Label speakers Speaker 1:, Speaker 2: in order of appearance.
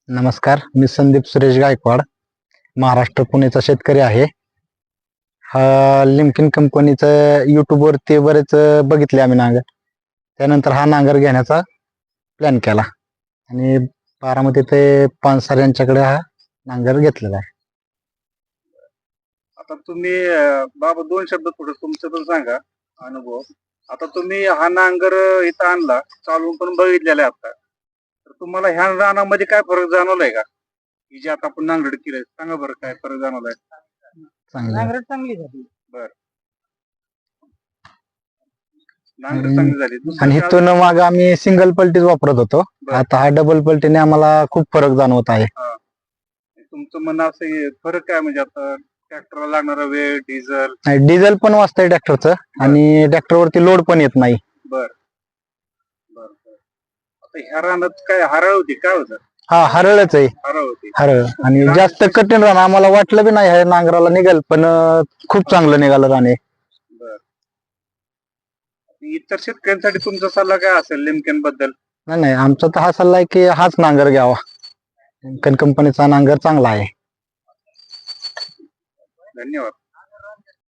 Speaker 1: नमस्कार, मी संदीप सुरेश गायकवाड, महाराष्ट्र पुणेचा शेतकरी आहे. हा लिमकिन कंपनीचं यूट्यूबवरती बरेच बघितले आम्ही नांगर. त्यानंतर हा नांगर घेण्याचा प्लॅन केला आणि बारामती ते पानसर यांच्याकडे हा नांगर घेतलेला आहे.
Speaker 2: आता तुम्ही बाबा दोन शब्द थोडं तुमचं पण सांगा अनुभव. आता तुम्ही हा नांगर इथं आणला, चालवून पण बघितलेला आहे आता. तर तुम्हाला ह्या रानामध्ये काय फरक जाणवलाय का? ही जी आता आपण नांगरट केलंय, सांगा बरं काय फरक जाणवलाय?
Speaker 1: चांगलं
Speaker 3: नांगरट चांगली झाली.
Speaker 2: नांगरट चांगली झाली. दुसरं
Speaker 1: आणि
Speaker 2: काय
Speaker 1: इथून माग आम्ही सिंगल पलटीच वापरत होतो.
Speaker 2: बरं.
Speaker 1: आता हा डबल पलटीने आम्हाला खूप फरक जाणवत आहे.
Speaker 2: तुमचं म्हणणं असं आहे, फरक काय म्हणजे आता ट्रॅक्टरला लागणारा वेळ, डिझेल.
Speaker 1: डिझेल पण वाचतंय ट्रॅक्टरचं आणि ट्रॅक्टरवरती लोड पण येत नाही.
Speaker 2: बर बर बर. आता ह्या रानात काय हरळ होती, काय होतं?
Speaker 1: हा हरळच आहे,
Speaker 2: हरळ होती.
Speaker 1: हरळ. आणि जास्त कठीण रान आम्हाला वाटलं बी नाही हे नांगराला निघेल, पण खूप चांगलं निघालं रान हे.
Speaker 2: बर. इतर शेतकऱ्यांसाठी तुमचा सल्ला काय असेल लिमकेन बद्दल?
Speaker 1: नाही नाही, आमचा तर हा सल्ला आहे की हाच नांगर घ्यावा. लिमकन कंपनीचा नांगर चांगला आहे.
Speaker 2: धन्यवाद.